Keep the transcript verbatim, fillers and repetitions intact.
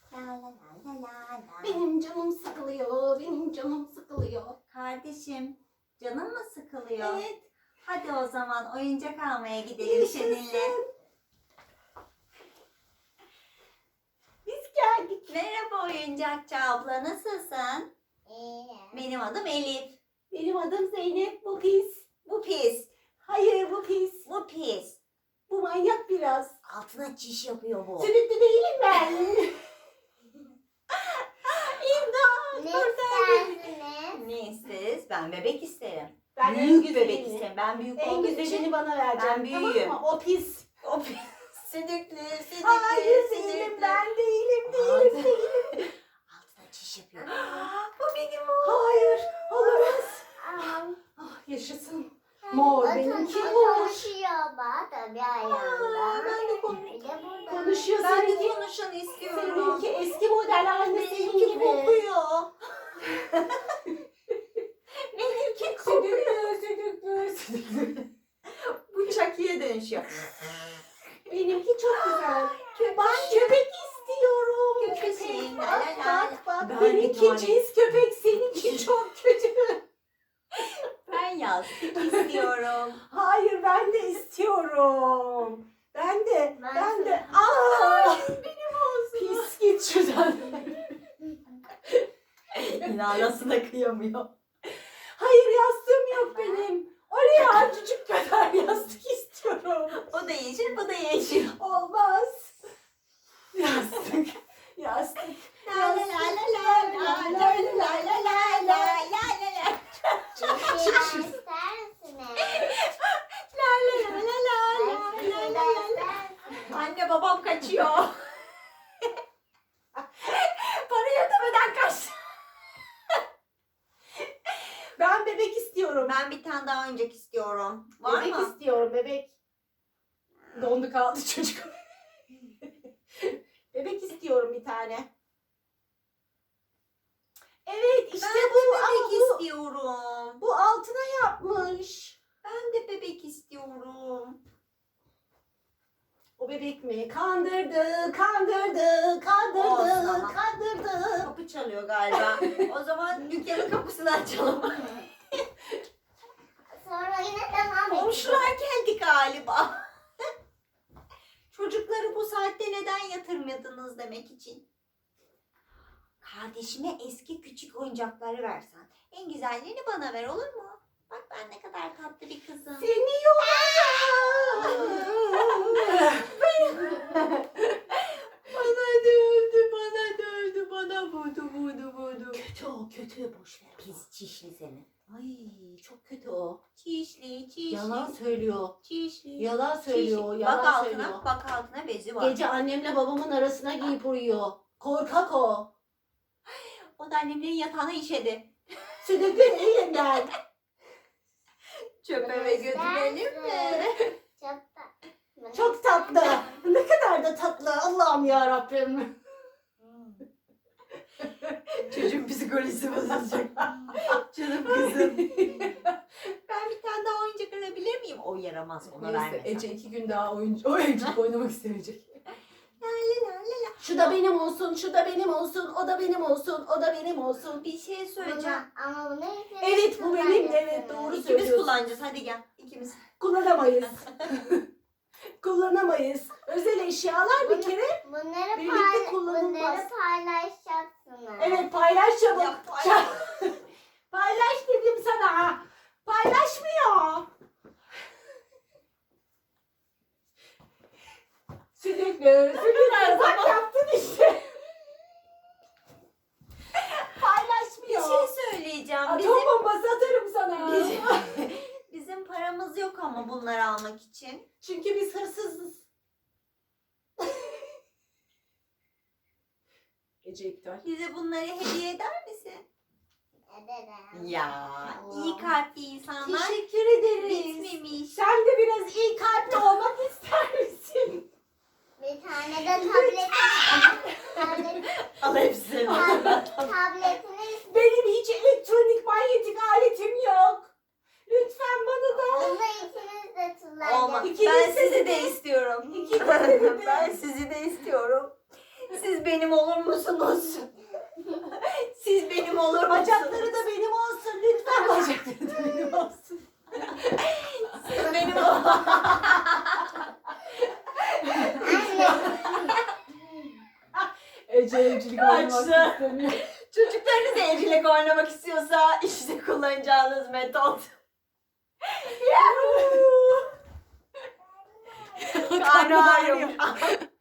La la la la la la. Benim canım sıkılıyor, benim canım sıkılıyor. Kardeşim, canın mı sıkılıyor? Evet. Hadi o zaman oyuncak almaya gidelim seninle. Biz geldik. Merhaba oyuncakçı abla, nasılsın? İyi. Benim adım Elif. Benim adım Zeynep, bu pis. Bu pis. Hayır, bu pis. Bu pis. Bu manyak biraz. Altına çiş yapıyor bu. Sürekli değilim ben. İmdat! Ne Kurtar beni. istersiniz? Ne isteriz? Ben bebek isterim. Ben en büyük güzelini- bebek isterim. Ben büyük En olduğum güzelini için. bana vereceğim. Ben büyüğüm. Tamam mı? O pis. O pis. Sidikli, sidikli, Hayır sidikli. değilim, ben değilim, değilim, Altı- değilim. Altına çiş yapıyor. Bu benim o. Hayır, olamaz. Aman. Ah, yaşasın. Mor, O benimki ton- o mor. konuşuyor bak tabii ayağında. Aa, ben de konuş- Bir de burada. Konuşuyor Ben de seninki. konuşan istiyorum. Seninki eski model aynı senin Benimki gibi. kokuyor. Benimki kokuyor. Südüklü, südüklü, südüklü. Bu Chucky'ye dönüşüyor. Benimki çok güzel. Köpek. Ben köpek istiyorum. Köpeğim, Köpek. la la Bak la. bak bak. Ben bir Benimki tane- cins köpek, seninki çok kötü. Ben yastık istiyorum. Hayır, ben de istiyorum. Ben de, Ben ben de. sana- Aa! Benim olsun. Pis git şuradan. Yine anasına kıyamıyor. Hayır, yastığım yok benim. Oraya azıcık kadar yastık istiyorum. O da yeşil, bu da yeşil. Olmaz. Yastık, yastık. La la la la la la la la la la la la la. Bir şeyler ister misiniz? La la la la la la Bir la şeyler la la. ister misiniz? Anne babam kaçıyor. Parayı ödemeden kaçtı. Ben bebek istiyorum. Ben bir tane daha oyuncak istiyorum. Var bebek mı? istiyorum, bebek. Dondu kaldı çocuk. Bebek istiyorum bir tane. Evet, işte Ben de bu. bebek Ama bu, istiyorum. bu altına yapmış. Ben de bebek istiyorum. O bebek mi? Kandırdı, kandırdı, kandırdı, Olsun ama. kandırdı. Kapı çalıyor galiba. O zaman dükkanın kapısını açalım. Sonra yine devam edeceğiz. Komşular geldi galiba. Çocukları bu saatte neden yatırmadınız demek için. Kardeşime eski küçük oyuncakları versen. En güzellerini bana ver, olur mu? Bak ben ne kadar tatlı bir kızım. Seni yolacağım. Bana dövdü, bana dövdü, bana vurdu, vurdu, vurdu. Kötü o, kötü. Boş ver. Pis çişli seni. Ay, çok kötü o. Çişli, çişli. Yalan söylüyor. Çişli. Yalan söylüyor, Çişli. yalan bak altına, söylüyor. bak altına bezi var. Gece annemle babamın arasına giyip uyuyor. Korkak o. O da annemlerin yatağına işedi. Südüklü elinden. Çöpe ve götürelim mi? Çok tatlı. Çok tatlı. Ne kadar da tatlı. Allah'ım ya Rabbim. Çocuğun psikolojisi bozulacak. Canım kızım. Ben bir tane daha oyuncak alabilir miyim? O yaramaz, ona Neyse, vermesem. Ece iki gün daha oyuncu, oyuncak oynamak istemeyecek. La la la la la. Şu da benim olsun, şu da benim olsun, o da benim olsun, o da benim olsun. Bir şey Bunu, söyleyeceğim. ama bunu ikiniz Evet, bu benim, evet, kullanacaksınız. doğru. İkimiz söylüyorsun. kullanacağız. Hadi gel. İkimiz. Kullanamayız. Kullanamayız. Özel eşyalar bir Bunu- kere. Bunları, Birlikte pay, kullanılmaz. bunları paylaşacaksınız. Evet, paylaş çabuk. Ya, paylaş. Paylaş dedim sana. Paylaşmıyor. Sürekli, sürekli bak yaptın işte. Bir Paylaşmıyor. şey söyleyeceğim. Bizim, Atom bombası atarım sana. bizim, bizim paramız yok ama bunları almak için. Çünkü biz hırsızız. Gece iptal. Bize bunları hediye eder misin? Ederim. Ya, iyi kalpli insanlar Teşekkür ederiz. bitmemiş. Sen de biraz iyi kalpli olmak ister misin? Bir tane de tablet, tablet, Al hepsini. tablet, tabletini Benim hiç elektronik manyetik aletim yok. Lütfen bana da. Bunu ikiniz de Olmaz. kullanacaksınız. İkiniz Ben de sizi de- de istiyorum. İkiniz de de- Ben sizi de istiyorum. Siz benim olur musunuz? Siz benim olur musunuz? Bacakları da benim olsun. Lütfen bacakları da benim olsun. Siz benim Ece evcilik oynamak Açtı. istemiyor. Çocuklarınız evcilik oynamak istiyorsa işte kullanacağınız metot. Karnı ağrıyor.